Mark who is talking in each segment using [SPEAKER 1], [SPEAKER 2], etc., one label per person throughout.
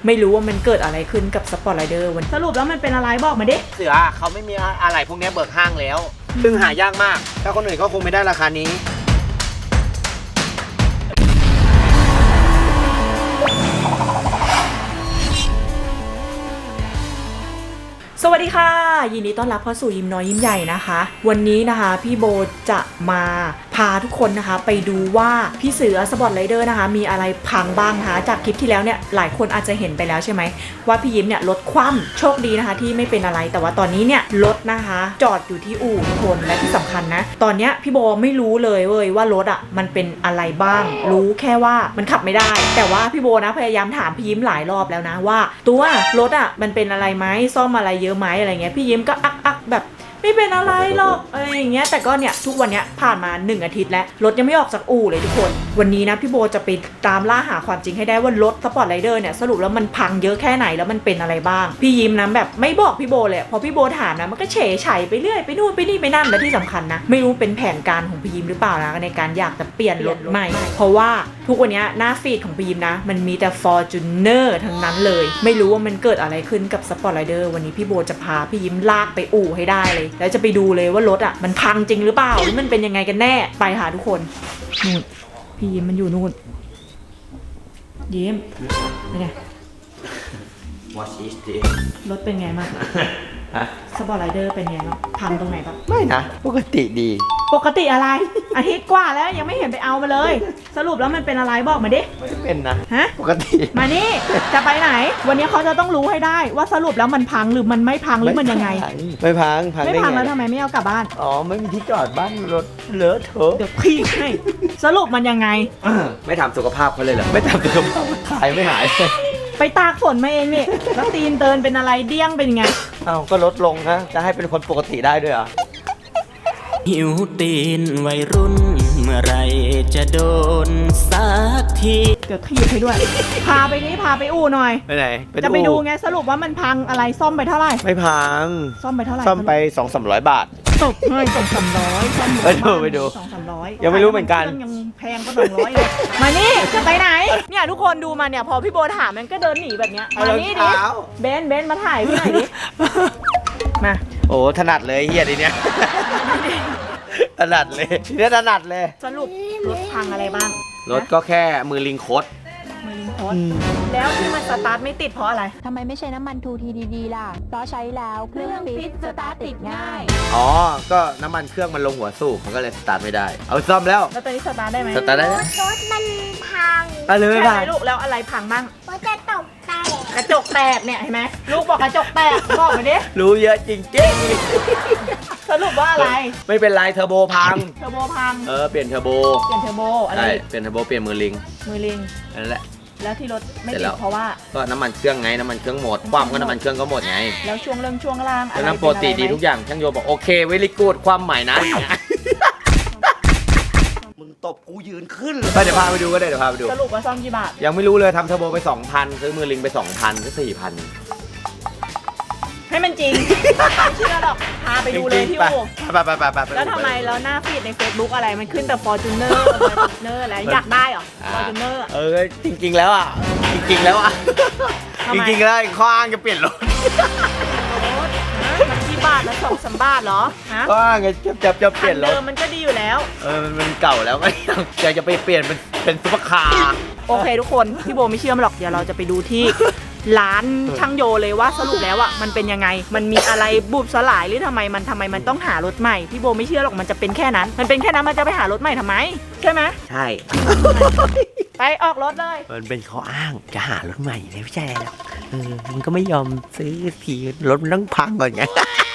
[SPEAKER 1] ไม่รู้ว่ามันเกิดอะไรขึ้นกับสปอร์ตไรเดอร์วันสรุปแล้วมันเป็นอะไรบอกมาดิ
[SPEAKER 2] เสือเขาไม่มีอะไรพวกนี้เบิกห้างแล้วซึ่งหายากมากถ้าคนอื่นก็คงไม่ได้ราคานี้
[SPEAKER 1] สวัสดีค่ะยินดีต้อนรับเข้าสู่ยิ้มน้อยยิ้มใหญ่นะคะวันนี้นะคะพี่โบจะมาพาทุกคนนะคะไปดูว่าพี่เสือสปอร์ตไรเดอร์นะคะมีอะไรพังบ้างนะคะจากคลิปที่แล้วเนี่ยหลายคนอาจจะเห็นไปแล้วใช่ไหมว่าพี่ยิ้มเนี่ยรถคว่ำโชคดีนะคะที่ไม่เป็นอะไรแต่ว่าตอนนี้เนี่ยรถนะคะจอดอยู่ที่อู่ทุกคนและที่สำคัญนะตอนนี้พี่โบไม่รู้เลยเว้ยว่ารถอ่ะมันเป็นอะไรบ้างรู้แค่ว่ามันขับไม่ได้แต่ว่าพี่โบนะพยายามถามพี่ยิ้มหลายรอบแล้วนะว่าตัวรถอ่ะมันเป็นอะไรไหมซ่อมอะไรเยอะไหมอะไรเงี้ยพี่ยิ้มก็อักแบบไม่เป็นอะไรหรอกอะไรอย่างเงี้ยแต่ก็เนี่ยทุกวันเนี้ยผ่านมา1 อาทิตย์แล้วรถยังไม่ออกจากอู่เลยทุกคนวันนี้นะพี่โบจะไปตามล่าหาความจริงให้ได้ว่ารถสปอร์ตไรเดอร์เนี่ยสรุปแล้วมันพังเยอะแค่ไหนแล้วมันเป็นอะไรบ้างพี่ยิ้มนะแบบไม่บอกพี่โบเลยพอพี่โบถามนะมันก็เฉยไฉไปเรื่อยไปนู่นไปนี่ไปนั่นและที่สำคัญนะไม่รู้เป็นแผนการของพี่ยิ้มหรือเปล่านะในการอยากจะเปลี่ยนรถใหม่เพราะว่าทุกวันนี้หน้าฟีดของพี่ยิ้มนะมันมีแต่ Fortuner ทั้งนั้นเลยไม่รู้ว่ามันเกิดอะไรขึ้นกับสปอร์ตไรเดอร์วันนี้พี่โบจะพาพี่ยิ้มลากไปอู่ให้ได้เลยแล้วจะไปดูเลยว่ารถอ่ะมันพังจริงหรือเปล่าหรือมันเป็นยังไงกันแน่ไปหาทุกคนนู่นพี่ยิ้มมันอยู่นู่นยิ้มเป็นไง
[SPEAKER 2] What is this
[SPEAKER 1] รถเป็นไงบ้างสปอร์ตไรเดอร์เป็นไงบ้างพังตรงไหนบ้าง
[SPEAKER 2] ไม่นะปกติดี
[SPEAKER 1] ปกติอะไรอาทิตย์กว่าแล้วยังไม่เห็นไปเอามาเลยสรุปแล้วมันเป็นอะไรบอกมาดิ
[SPEAKER 2] ไม่เป็นนะ
[SPEAKER 1] ฮะ
[SPEAKER 2] ปกติ
[SPEAKER 1] มานี่จะไปไหนวันนี้เขาจะต้องรู้ให้ได้ว่าสรุปแล้วมันพังหรือมันไม่พังหรือมันยังไง
[SPEAKER 2] ไม่พัง
[SPEAKER 1] ไม่พังแล้วทำไมไม่เอากลับบ้าน
[SPEAKER 2] อ๋อไม่มีที่จอดบ้านรถเลอะเทอะ
[SPEAKER 1] เดี๋ยวพี่ให้สรุปมันยังไง
[SPEAKER 2] ไม่ทำสุขภาพเขาเลยเหรอไม่ทำสุขภาพขายไม่หาย
[SPEAKER 1] ไปตากฝนมาเองนี่แล้วตีนเตือนเป็นอะไรเดี้ยงเป็นไง
[SPEAKER 2] เอ้าก็ลดลงนะจะให้เป็นคนปกติได้ด้วยเหรอ
[SPEAKER 3] หิวตีนวัยรุ่นเมื่อไรจะโดนสักที
[SPEAKER 1] เดี๋ยวถีบให้ด้วยพาไปนี้พาไปอู่หน่อย
[SPEAKER 2] ไปไหน
[SPEAKER 1] จะไปดูไงสรุปว่ามันพังอะไรซ่อมไปเท่าไหร่
[SPEAKER 2] ไม่พัง
[SPEAKER 1] ซ่อมไปเท่าไหร่
[SPEAKER 2] ซ่อมไป 200-300 บาท
[SPEAKER 1] ตกให้200-300ซ่อม
[SPEAKER 2] ไปดู
[SPEAKER 1] 200-300
[SPEAKER 2] ยังไม่รู้เหมือนกัน
[SPEAKER 1] ยังแพงก็200เลยมานี่จะไปไหนเนี่ยทุกคนดูมาเนี่ยพอพี่โบถามมันก็เดินหนีแบบเนี้ยมานี่ดิเบนมาถ่ายพี่หน่อยดิมา
[SPEAKER 2] โอ้ถนัดเลยเฮียดิเนี้ยถนัดเลยทีนี้ถนัดเลย
[SPEAKER 1] สรุปรถพังอะไรบ้าง
[SPEAKER 2] รถก็แค่มือลิงคด
[SPEAKER 1] แล้วที่มันสตาร์ทไม่ติดเพราะอะไร
[SPEAKER 4] ทำไมไม่ใช้น้ำมันทูทีดีๆล่ะเพราะใช้แล้วเครื่องฟิตสตาร์ทติดง่าย
[SPEAKER 2] อ๋อก็น้ำมันเครื่องมันลงหัวสูบมันก็เลยสตาร์ทไม่ได้เอาซ่อมแล้ว
[SPEAKER 1] ตอนนี้สตาร์ทได้ไหม
[SPEAKER 2] สตาร์ทได้
[SPEAKER 4] รถมันพัง
[SPEAKER 2] อะไรไม่พัง
[SPEAKER 1] ลูกแล้วอะไรพังบ้าง
[SPEAKER 4] กระจกแตก
[SPEAKER 1] เนี่ยเห็นไหมลูกบอกกระจกแตกบอกมาดิ
[SPEAKER 2] รู้เยอะจริง
[SPEAKER 1] สรุปว่าอะไร
[SPEAKER 2] ไม่เป็นไรเทอร์โบพังเปลี่ยนเทอร์โบ
[SPEAKER 1] อะไร
[SPEAKER 2] เปลี่ยนเทอร์โบเปลี่ยนมือลิงนั่นแหละ
[SPEAKER 1] แล้วที่รถไม่ติดเพราะว่า
[SPEAKER 2] ก็น้ำมันเครื่องไงน้ำมันเครื่องหมดความก็น้ำมันเครื่องก็หมดไง
[SPEAKER 1] แล้วช่วงล่าง
[SPEAKER 2] อะไรน้ำโปรตีดีทุกอย่างช่างโยบอกโอเคเวลิกูดความใหม่นะมึงตบกูยืนขึ้นเดี๋ยวพาไปดูก็ได้เดี๋ยวพาไปดู
[SPEAKER 1] สรุปว่าซ่อมกี่บาท
[SPEAKER 2] ยังไม่รู้เลยทำเทอร์โบไป 2,000 ซื้อมือลิงไป 2,000 ก็ 4,000
[SPEAKER 1] ให้มันจริงเชื่อหรอกพาไปดูเลยที่อู่
[SPEAKER 2] ไป
[SPEAKER 1] แล้วทำไมแล้วหน้าฟีดใน Facebook อะไรมันขึ้นแต่ Fortuner อะไรอยากได้เหรอ Fortuner
[SPEAKER 2] จริงๆแล้วจริงๆแล้วข้ออ้างจะเปลี่ยนรถ
[SPEAKER 1] มันกี่บาทแล้ว2-3 บาทเหรอฮะ
[SPEAKER 2] ข้ออ้างจะเปลี่ยนรถ
[SPEAKER 1] มันก็ดีอยู่แล้ว
[SPEAKER 2] มันเก่าแล้วก็อยากจะไปเปลี่ยนเป็นซุปเปอร์คาร์
[SPEAKER 1] โอเคทุกคนพี่โบไม่เชื่อหรอกเดี๋ยวเราจะไปดูที่ร้านช่างโยเลยว่าสรุปแล้วมันเป็นยังไงมันมีอะไรบุบสลายหรือทำไมมันต้องหารถใหม่พี่โบไม่เชื่อหรอกมันจะเป็นแค่นั้นมันเป็นแค่นั้นมันจะไปหารถใหม่ทำไมใช่ไหม
[SPEAKER 2] ใช่
[SPEAKER 1] ไปออกรถเลย
[SPEAKER 2] มันเป็นข้ออ้างจะหารถใหม่เลยไม่ใช่หรอกมันก็ไม่ยอมซื้อทีรถมันต้องพังก่อนไง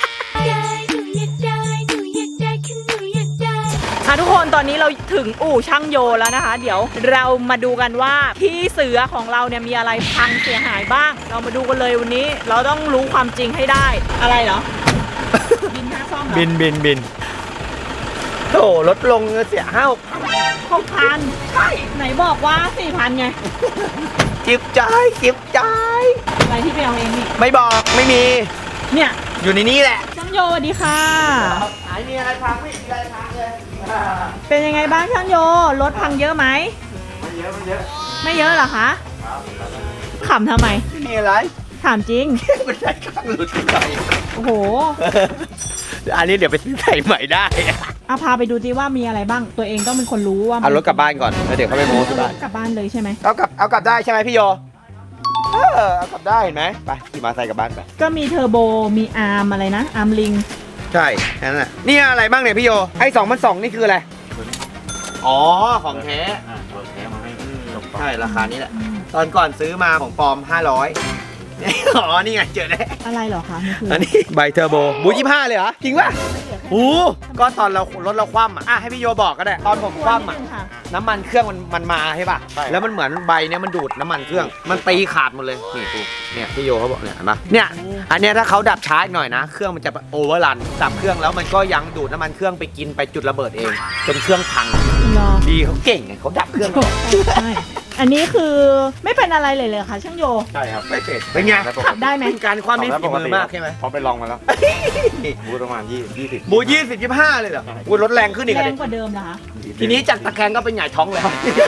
[SPEAKER 1] ทุกคนตอนนี้เราถึงอู่ช่างโยแล้วนะคะเดี๋ยวเรามาดูกันว่าพี่เสือของเราเนี่ยมีอะไรพังเสียหายบ้างเรามาดูกันเลยวันนี้เราต้องรู้ความจริงให้ได้อะไรเหรอบินค่าซ่อมเหรอ
[SPEAKER 2] บินโถ่ลดลงเสีย
[SPEAKER 1] 6,000ใช่ไหนบอกว่า 4,000 ไง
[SPEAKER 2] จิ๊บจ่าย
[SPEAKER 1] อะไรที่ไปเอาเองนี่
[SPEAKER 2] ไม่บอกไม่มี
[SPEAKER 1] เนี่ย
[SPEAKER 2] อยู่ในนี้แหละ
[SPEAKER 1] ช่างโยสวัสดีค่ะ
[SPEAKER 2] หายมีอะไรพังไม่มีอะไรพังเลย
[SPEAKER 1] เป็นยังไงบ้างช่างโยรถพังเยอะไหม
[SPEAKER 2] ไม่เยอะ
[SPEAKER 1] ไม่เยอะเหรอคะขำทำไม
[SPEAKER 2] ไม่มีอะไร
[SPEAKER 1] ถามจริง
[SPEAKER 2] มันใส่ข้างหลุดไป
[SPEAKER 1] โอ้โห
[SPEAKER 2] อันนี้เดี๋ยวไปซื้อใส่ใหม่ได้
[SPEAKER 1] เอาพาไปดูสิว่ามีอะไรบ้าง ตัวเองต้องเป็นคนรู้ว่า
[SPEAKER 2] เอารถกลับบ้านก่อนแล้วเดี๋ยวเขาไปโม้ที่บ้าน
[SPEAKER 1] กลับบ้านเลยใช่ไหม
[SPEAKER 2] เอากลับได้ใช่ไหมพี่โยเอากลับได้เห็นไหมไปขี่มาใส่กลับบ้านไป
[SPEAKER 1] ก็มีเทอร์โบ มีอาร์มอะไรนะ อาร์มลิง
[SPEAKER 2] ใช่แค่นั้นแหละนี่อะไรบ้างเนี่ยพี่โยไอ้2,200นี่คืออะไรอ๋อของแท้
[SPEAKER 3] ตัวแท้มาให้จบ
[SPEAKER 2] ใช่ราคานี้แหละตอนก่อนซื้อมาของปลอม500อ๋อนี่ไงเจอแล้ว
[SPEAKER 1] อะไรเหรอคะนี่คือ
[SPEAKER 2] อันนี้ใบเทอร์โบบู25เลยเหรอจริงป่ะโอ้ก็ตอนเรารถเราคว่ำอ่ะให้พี่โยบอกก็ได้ตอนผมคว่ำอ่ะ
[SPEAKER 1] ค่ะ
[SPEAKER 2] น้ำมันเครื่องมันมาใช่ป่ะแล้วมันเหมือนใบเนี้ยมันดูดน้ำมันเครื่องมันตีขาดหมดเลยนี่กูเนี่ยพี่โยเขาบอกเนี่ยเห็นปะเนี่ยอันเนี้ยถ้าเขาดับช้าอีกหน่อยนะเครื่องมันจะโอเวอร์รันดับเครื่องแล้วมันก็ยังดูดน้ำมันเครื่องไปกินไปจุดระเบิดเองจนเครื่องพัง
[SPEAKER 1] รอ
[SPEAKER 2] ดีเขาเก่งไงเขาดับเครื่อง
[SPEAKER 1] ใช่อันนี้คือไม่เป็นอะไรเลยค่ะช่างโย
[SPEAKER 3] ใช่ครับ
[SPEAKER 2] ไม่เป็นเป็นไง
[SPEAKER 1] ขับได้ไหม
[SPEAKER 2] เป็นการความมีฝีมือมากใช่ไหม
[SPEAKER 3] พอไปลองมาแล้วบูประมาณ20
[SPEAKER 2] บู20-25เลยเหรอบูรถแรงขึ้นอีก
[SPEAKER 1] แร
[SPEAKER 2] อะ
[SPEAKER 1] ง
[SPEAKER 2] ดิ
[SPEAKER 1] กว่าเดิมเหรอคะ
[SPEAKER 2] ทีนี้จากตะแคงก็เป็นหงายท้องเลย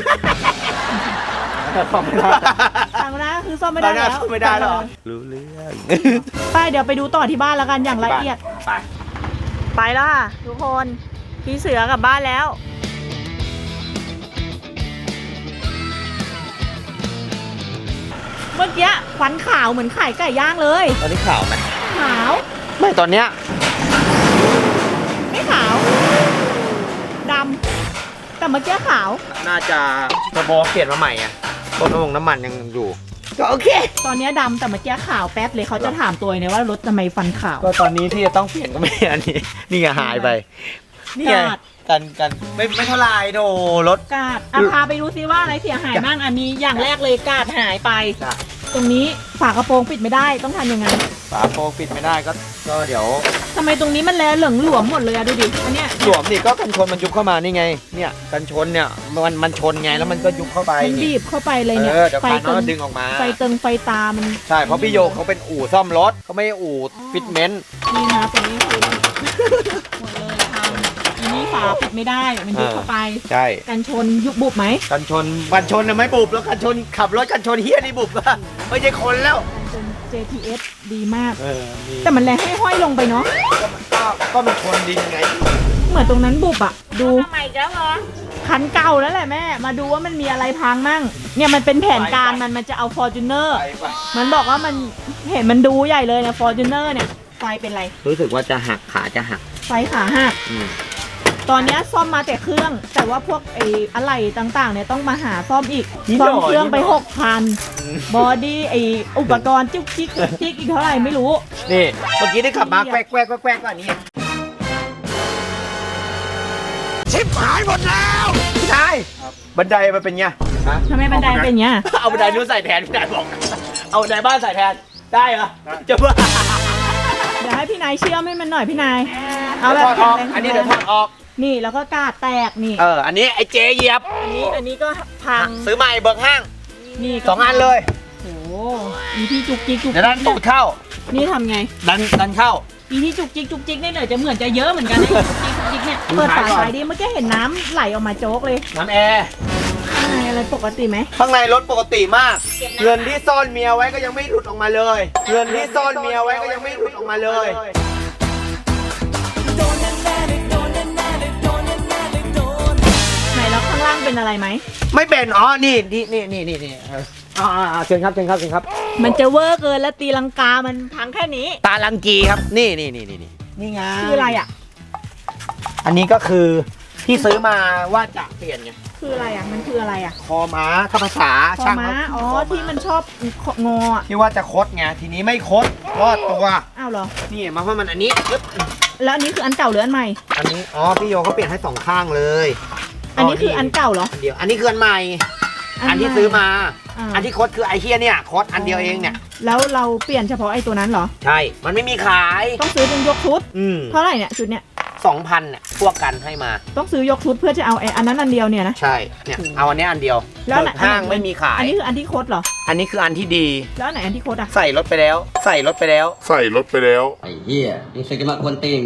[SPEAKER 3] ซ่อมไม่ได้
[SPEAKER 1] ทางหน้าคือซ่อมไม่ได้แล้ว
[SPEAKER 2] ไม่ได้หรอรู้เรื่อง
[SPEAKER 1] ไปเดี๋ยวไปดูต่อที่บ้านแล้วกันอย่างละเอียด
[SPEAKER 2] ไป
[SPEAKER 1] ไปแล้วค่ะทุกคนพี่เสือกลับบ้านแล้ว เมื่อกี้ควันขาวเหมือนไข่ไก่ย่างเลย
[SPEAKER 2] ตอนนี้ข่าวไหม
[SPEAKER 1] ขาว
[SPEAKER 2] ไม่ตอนเนี้ย
[SPEAKER 1] ไม่ขาวดำแต่เมื่อกี้ขาว
[SPEAKER 2] น่าจะเทอร์โบเปลี่ยนมาใหม่ไงต้นน้ำมันยังอยู่ก็โอเค
[SPEAKER 1] ตอนนี้ดำแต่เมื่อกี้ขาวแป๊บเลยเขาจะถามตัวเองเนี่ยว่ารถทำไมฟันขาว
[SPEAKER 2] ก็ตอนนี้ที่จะต้องเปลี่ยนก็ไม่อันนี้นี่ไงหายไปนี่ไง
[SPEAKER 1] กาด
[SPEAKER 2] กันไม่เท่าไรโดรถ
[SPEAKER 1] กาดพาไปดูซิว่าอะไรเสียหายบ้างอันนี้อย่างแรกเลยกาดหายไป
[SPEAKER 2] จ้ะ
[SPEAKER 1] ตรงนี้ฝากระโปรงปิดไม่ได้ต้องทำยังไง
[SPEAKER 2] ฝาโปรงปิดไม่ได้ก็เดี๋ยว
[SPEAKER 1] ทำไมตรงนี้มันแลเหลืองหลวมหมดเลยอะดูดิอันเนี้ย
[SPEAKER 2] หลวมนี่ก็กันชนมันยุบเข้ามานี่ไง เนี่ยกันชนเนี่ยมันชนไงแล้วมันก็ยุบเข้าไป
[SPEAKER 1] มันบีบเข้าไปเลยเนี่ย
[SPEAKER 2] เดี๋ยว
[SPEAKER 1] ไฟ
[SPEAKER 2] พาน้
[SPEAKER 1] เติ
[SPEAKER 2] อง
[SPEAKER 1] ง
[SPEAKER 2] ดึงออกมา
[SPEAKER 1] ไฟเติงไฟตามัน
[SPEAKER 2] ใช่เพราะพี่โยเขาเป็นอู่ซ่อมรถเขาไม่ใช่อู่ฟิตเมนต์
[SPEAKER 1] นี่นะตรงนี้คือหมดเลยทำอันนี้ฝาปิดไม่ได้มันยุบเข้าไป
[SPEAKER 2] ใช่
[SPEAKER 1] กันชนยุบบุบไหม
[SPEAKER 2] กันชนน่ะไม่บุบแล้วกันชนขับรถกันชนเฮียนี่บุบก็ไม่ใช่คนแล้ว
[SPEAKER 1] กันชน JTS ดีมาก
[SPEAKER 2] มี
[SPEAKER 1] แต่มันแรงให้ห้อยลงไปเนาะ
[SPEAKER 2] ก็มันชนดินไง
[SPEAKER 1] เหมือนตรงนั้นบุบอะดูใหม่แล้วเหรอคันเก่าแล้วแหละแม่มาดูว่ามันมีอะไรพังมั่งเนี่ยมันเป็นแผนการมันจะเอา Fortuner มันบอกว่ามันเห็นมันดูใหญ่เลยนะ Fortuner เนี่ยไฟเป็นไร
[SPEAKER 2] รู้สึกว่าจะหักขาจะหัก
[SPEAKER 1] ไฟขาหักตอนเนี้ยซ่อมมาแต่เครื่อง แต่ว่าพวกไอ้อะไหล่ต่างๆเนี่ยต้องมาหาซ่อมอีกซ่อมเครื่องไป 6,000 บอดี้ไอ้อุปกรณ์จุกจิกจุกจิกอีกเท่าไหร่ไม่รู้
[SPEAKER 2] นี่เมื่อกี้ได้ขับมาแกวกก็อันนี้ชิบหายหมดแล้วพี่นายบันไดมันเป็นไง
[SPEAKER 1] ทำไมบันไดเป็นอย่างเงี้ย
[SPEAKER 2] เอาบันไดนู้นใส่แทนพี่นายบอกเอาบันไดบ้านใส่แทนได้เหรอจะบ้า
[SPEAKER 1] เดี๋ยวให้พี่นายเชื่อมให้มันหน่อยพี่นายเอาแบบ
[SPEAKER 2] ถอดออกอันนี้เดี๋ยวถอดออก
[SPEAKER 1] นี่แล้วก็กาดแตกนี่
[SPEAKER 2] อันนี้ไอ้เจเหยียบ
[SPEAKER 1] อันนี้ก็พัง
[SPEAKER 2] ซื้อใหม่เบิกห้าง
[SPEAKER 1] นี่
[SPEAKER 2] 2 อันเลย
[SPEAKER 1] โอ้โหมีที่จุกจิกจุก
[SPEAKER 2] เดี๋ยวดันตูดเข้า
[SPEAKER 1] นี่ทำไง
[SPEAKER 2] ดันเข้า
[SPEAKER 1] มีที่จุกจิกจุกจิกเนี่ยเดี๋ยวจะเหมือนจะเยอะเหมือนกันนะจุกจิกเนี่ยเปิดฝาไฟดิเมื่อกี้เห็นน้ำไหลออกมาโจ๊กเลย
[SPEAKER 2] น้ำแอร์
[SPEAKER 1] ข้างในอะไรปกติไหม
[SPEAKER 2] ข้างในรถปกติมาก เงินที่ซ่อนเมียไว้ก็ยังไม่หลุดออกมาเลย เงินที่ซ่อนเมียไว้ก็ยังไม่หลุดออกมาเลย
[SPEAKER 1] ไหนแล้วข้างล่างเป็นอะไรไหม
[SPEAKER 2] ไม่เป็นอ๋อนี่เชิญครับ
[SPEAKER 1] มันจะเวอร์เกินแล้วตีลังกามันพังแค่นี้
[SPEAKER 2] ตาลังกีครับนี่ไง
[SPEAKER 1] คืออะไรอ่ะ
[SPEAKER 2] อันนี้ก็คือที่ซื้อมาว่าจะเปลี่ยนไง
[SPEAKER 1] คืออะไรอ่ะมันคืออะไรอ่ะ
[SPEAKER 2] คอม้าถ้าภาษา
[SPEAKER 1] คอ
[SPEAKER 2] ช่าง
[SPEAKER 1] ม้า
[SPEAKER 2] เขา
[SPEAKER 1] อ๋อ
[SPEAKER 2] คา
[SPEAKER 1] ที่มันชอบงออ่ะ
[SPEAKER 2] ที่ว่าจะคดไงทีนี้ไม่คดรอดตัว
[SPEAKER 1] อ้าวเหรอ
[SPEAKER 2] นี่มาเพราะมันอันนี้ปึ๊บ
[SPEAKER 1] แล้วอันนี้คืออันเก่าหรืออันใหม่
[SPEAKER 2] อันนี้อ๋อพี่โยเขาเปลี่ยนให้2 ข้างเลย
[SPEAKER 1] อันนี้คืออันเก่าเหรอ
[SPEAKER 2] อันเดียวอันนี้คืออันใหม่ อันที่
[SPEAKER 1] ใหม่
[SPEAKER 2] ซื้อมา
[SPEAKER 1] อ่า
[SPEAKER 2] อันที่คดคือไอเฮียเนี่ยคดอันเดียวเองเนี่ย
[SPEAKER 1] แล้วเราเปลี่ยนเฉพาะไอ้ตัวนั้นเหรอ
[SPEAKER 2] ใช่ มันไม่มีขาย
[SPEAKER 1] ต้องซื้อเป็นยกชุด
[SPEAKER 2] เพ
[SPEAKER 1] เท่าไหร่เนี่ยชุดเนี่ย
[SPEAKER 2] 2,000เนี่ยพวกกันให้มา
[SPEAKER 1] ต้องซื้อยกชุดเพื่อจะเอาไอ้อันนั้นอันเดียวเนี่ยนะ
[SPEAKER 2] ใช่เนี่ยเอาอันเนี้ยอันเดียว
[SPEAKER 1] แล้ว
[SPEAKER 2] เปิดห้างไม่มีขาย
[SPEAKER 1] อันนี้คืออันที่โคดเหรอ
[SPEAKER 2] อันนี้คืออันที่ดี
[SPEAKER 1] แล้วอันไหนอันที่โคดอ่ะ
[SPEAKER 2] ใส่รถไปแล้ว
[SPEAKER 5] ใส่รถไปแล้ว
[SPEAKER 6] ไอ้เหี้ยนี่ใครจะมากวนตีนน่ะ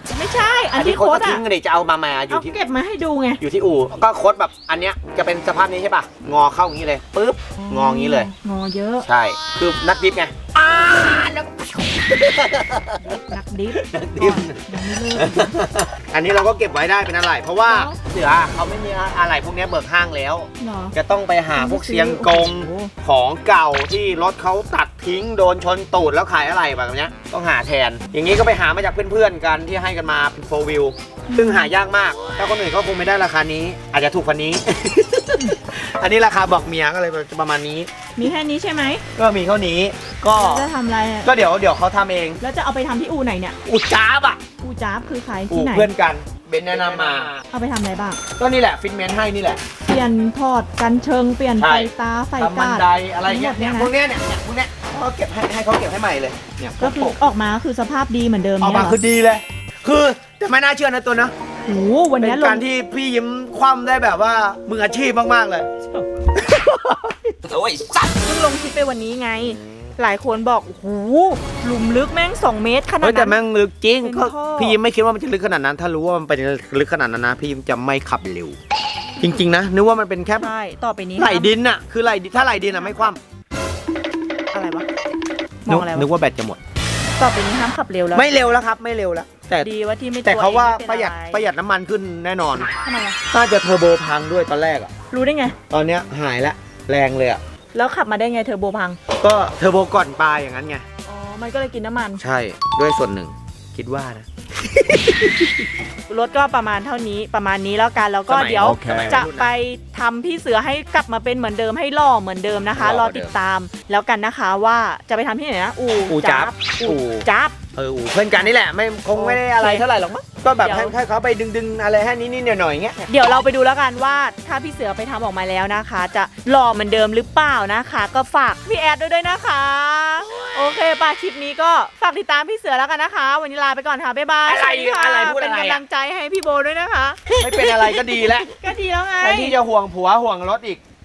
[SPEAKER 1] ไม่ใช่อันที่
[SPEAKER 2] โค้
[SPEAKER 1] โค้
[SPEAKER 2] ด
[SPEAKER 1] ด
[SPEAKER 2] ก็
[SPEAKER 1] อะ
[SPEAKER 2] ทิ้งกันดิจะเอามาอยู่
[SPEAKER 1] เอา
[SPEAKER 2] ที่
[SPEAKER 1] เก็บมาให้ดูไง
[SPEAKER 2] อยู่ที่อู่ก็โค้ดแบบอันเนี้ยจะเป็นสภาพนี้ใช่ป่ะงอเข้าอย่างนี้เลยปึ๊บงออย่างนี้เลย
[SPEAKER 1] งอเยอะ
[SPEAKER 2] ใช่คือนักดิฟไงนัก
[SPEAKER 1] นักดิฟ
[SPEAKER 2] ดิฟ
[SPEAKER 1] ยังไม่เลิก
[SPEAKER 2] อันนี้เราก็เก็บไว้ได้เป็นอะไรเพราะว่า
[SPEAKER 1] แล้ว
[SPEAKER 2] เสือเขาไม่มีอะไรพวกเนี้ยเบิกห้างแล้ว
[SPEAKER 1] เหรอ
[SPEAKER 2] จะต้องไปหาพวกเซียงกง
[SPEAKER 1] โอ้โห
[SPEAKER 2] ของเก่าที่รถเขาตัดทิ้งโดนชนตูดแล้วขายอะไรแบบเนี้ยต้องหาแทน อย่างนี้ก็ไปหามาจากเพื่อนๆกันที่ให้กันมาเป็นโฟวิลซึ่งหายากมากถ้าคนอื่นก็คงไม่ได้ราคานี้ อาจจะถูกกว่านี้ อันนี้ราคาบอกเมียก็เลยประมาณนี้
[SPEAKER 1] มีแค่นี้ใช่ไหม
[SPEAKER 2] ก็มีเท่านี้ก็
[SPEAKER 1] แล้วจะทำอะไรอะ
[SPEAKER 2] ก็เดี๋ยวเขาทำเอง
[SPEAKER 1] แล้วจะเอาไปทำที่อู่ไหนเนี่ย
[SPEAKER 2] อุจจ้าบอ่ะ
[SPEAKER 1] อู่จ้าบคือใคร
[SPEAKER 2] อู
[SPEAKER 1] ที่ไหน
[SPEAKER 2] เพื่อนกันเบนแนะนำมา
[SPEAKER 1] เอาไปทำอะไรบ้าง
[SPEAKER 2] ก็นี่แหละฟิตเมนต์ให้นี่แหละ
[SPEAKER 1] เปลี่ยนทอดกันเชิงเปลี่ยน
[SPEAKER 2] ใช่
[SPEAKER 1] ไฟตาไฟ
[SPEAKER 2] ทำบั
[SPEAKER 1] กาน ด
[SPEAKER 2] ไดอะไรเงี้ย
[SPEAKER 1] ทั้งหมด
[SPEAKER 2] เนี่
[SPEAKER 1] เนี่ย ยนะ
[SPEAKER 2] พวกเนี้ยเขาเก็บให้เขาเก็บให้ใหม่เลยเนี่ย
[SPEAKER 1] ก็คือออกมาคือสภาพดีเหมือนเดิม
[SPEAKER 2] ออก
[SPEAKER 1] เนี่ย
[SPEAKER 2] มา
[SPEAKER 1] เหรอ
[SPEAKER 2] คือดีเลย คือแต่ไม่น่าเชื่อนะตัวนะ
[SPEAKER 1] โอ้โหวัน
[SPEAKER 2] เป็
[SPEAKER 1] นี้
[SPEAKER 2] น
[SPEAKER 1] ล
[SPEAKER 2] กาง รที่พี่ยิ้มคว่ำได้แบบว่ามืออาชีพมากๆเลย
[SPEAKER 3] โอ้ยสัตว์
[SPEAKER 1] เพิ่งลงคลิปไปวันนี้ไง หลายคนบอกโอ้โหหลุมลึกแม่ง2 เมตรขนาด
[SPEAKER 2] เฮ้ยแต่
[SPEAKER 1] นั้น
[SPEAKER 2] แม่งลึกจริง
[SPEAKER 1] เป็น
[SPEAKER 2] ก็
[SPEAKER 1] ท่อ
[SPEAKER 2] พี่ยิ้มไม่คิดว่ามันจะลึกขนาดนั้น ถ้ารู้ว่ามันเป็นลึกขนาดนั้นนะพี่ยิ้มจะไม่ขับเร็ว จริงๆนะนึกว่ามันเป็นแค่
[SPEAKER 1] ใช่ต่อไปนี้
[SPEAKER 2] ไหลดินอะคือไหลดินถ้าไหลดินอะไม่คว่
[SPEAKER 1] อะไรวะม
[SPEAKER 2] ำ
[SPEAKER 1] องอะไร
[SPEAKER 2] นึก
[SPEAKER 1] วะ
[SPEAKER 2] ว่าแบตจะหมด
[SPEAKER 1] ต่อไปนี้ห้ามขับเร็วแล้ว
[SPEAKER 2] ไม่เร็วแล้วครับไม่เร็วแล้ว แต่
[SPEAKER 1] ดีว่าที่ไม่
[SPEAKER 2] แต่เขาว่า
[SPEAKER 1] ตัว
[SPEAKER 2] ประ
[SPEAKER 1] เอง
[SPEAKER 2] หยัด
[SPEAKER 1] ไม่
[SPEAKER 2] ประหยัดน้ำมันขึ้นแน่นอน
[SPEAKER 1] ทำไมอะ
[SPEAKER 2] น่าจะเทอร์โบพังด้วยตอนแรกอะ
[SPEAKER 1] รู้ได้ไง
[SPEAKER 2] ตอนเนี้ยหายละแรงเลยอะ
[SPEAKER 1] แล้วขับมาได้ไงเทอร์โบพัง
[SPEAKER 2] ก็เทอร์โบก่อนปลาอย่างนั้นไง
[SPEAKER 1] อ๋อมันก็เลยกินน้ำมัน
[SPEAKER 2] ใช่ด้วยส่วนหนึ่งคิดว่านะ
[SPEAKER 1] รถก็ประมาณเท่านี้ประมาณนี้แล้วกันแล้วก็
[SPEAKER 2] สมัย
[SPEAKER 1] เดี๋ยว
[SPEAKER 2] โอเค
[SPEAKER 1] จะไปทำพี่เสือให้กลับมาเป็นเหมือนเดิมให้หล่อเหมือนเดิมนะคะ
[SPEAKER 2] ห
[SPEAKER 1] ร
[SPEAKER 2] ล่
[SPEAKER 1] อ
[SPEAKER 2] อเหมือนเดิม
[SPEAKER 1] ติดตามแล้วกันนะคะว่าจะไปทำที่ไหนนะอู่
[SPEAKER 2] จ๊าบ
[SPEAKER 1] อู่จับ
[SPEAKER 2] อู่เพื่อนกันนี่แหละไม่คงไม่ได้อะไร
[SPEAKER 1] โอเค
[SPEAKER 2] เท่าไหร่หรอกมั้งก็แบบ
[SPEAKER 1] เดี๋ยว
[SPEAKER 2] ให้เขาไปดึงๆอะไรให้นิดๆหน่อยๆอย่างเงี้ย
[SPEAKER 1] เดี๋ยวเราไปดูแล้วกันว่าถ้าพี่เสือไปทำออกมาแล้วนะคะ จะหล่อเหมือนเดิมหรือเปล่านะคะ ก็ฝากพี่แอดด้วยนะคะ โอเคป่ะคลิปนี้ก็ฝากติดตามพี่เสือแล้วกันนะคะ วันนี้ลาไปก่อนค่ะบ๊ายบาย
[SPEAKER 2] อะไร
[SPEAKER 1] สวัสดีค่ะ
[SPEAKER 2] อะไรพูด
[SPEAKER 1] เป็น
[SPEAKER 2] อะไรอะ
[SPEAKER 1] กำลังใจให้พี่โบด้วยนะคะ
[SPEAKER 2] ไม่เป็นอะไรก็ดีแล้ว
[SPEAKER 1] ก็ดีแล้วไง
[SPEAKER 2] แทนที่จะห่วงผัวห่วงรถอีก